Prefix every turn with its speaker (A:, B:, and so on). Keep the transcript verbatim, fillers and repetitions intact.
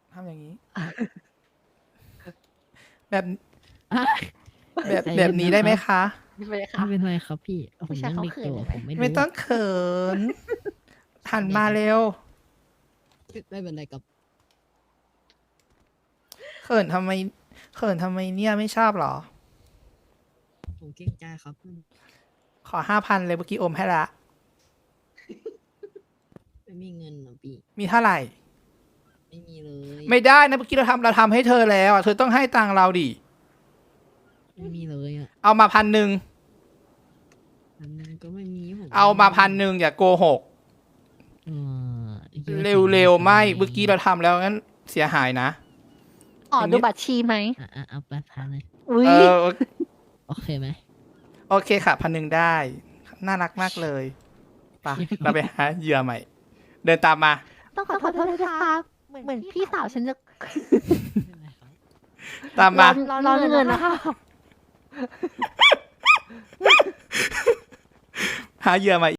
A: ทำอย่างนี้ แบบ
B: อ่ะ
A: แบบ
B: ใจ
A: แบบ
B: เย็
A: นี้ได้ไหม
B: รับ
A: คะ
C: ไม่เป็นไร
B: ไม่
C: ค่ะ
B: เป็นไรครับพี่ ผ
C: ผู้
B: ม
C: ชาย
B: ยัง
C: เขา
B: เด็ก
C: เขิ
B: อน
C: น
B: ยู่
C: ใช่ไหม?
B: ผมไม่
A: ไม่
B: รู้
A: ต้องเขิน หันมาเร็ว
B: ไม่เป็นไรครับ
A: เขินทำไม เขินทำไมเนี่ย ไม่ชอบเหรอ?
B: ผมเกรงใจครับ อืม
A: ขอ ห้าพัน เลย เมื่อกี้โอนให้แล้ว
B: ไม่มีเงินน่ะพี่
A: มีเท่าไร?
B: ไม่มีเลย
A: ไม่ได้นะ เมื่อกี้เราทำ เราทำให้เธอแล้วอะ เธอต้องให้ตังค์เราสิ
B: ไม่มีเลยอะ
A: เอามา พันหนึ่ง
B: พันหนึ่ง ก็ไม่มี ผม
A: เอามา
B: ไ
A: พันหนึ่ง อย่าโกหก
B: เออ คิดว่า
A: เ
B: ผม
A: ร็ว ๆ ไม่
B: ทำ
A: เมื่อกี้เราทำแล้ว งั้นเสียหายนะ
C: ขอ
A: อย่าง
C: ดู
A: งี้
C: บัตรชีไหม?
B: อะ ๆ เอาไป พัน เลย
C: อุ๊
A: เอย อ โอ
B: โอเคไหม?
A: โอเคค่ะ พันหนึ่ง ได้ น่ารักมากเลย ไป เราไปหาเหยื่อใหม่ เดินตามมา
C: ต้องขอโทษด้วยนะคะ เหมือนพี่สาวฉันจะ
B: ไม่เป็นไรครับ
A: ตามมา
C: ร้อน ร้อนเงินน่ะค่ะ
A: หาเหยื่อใหม่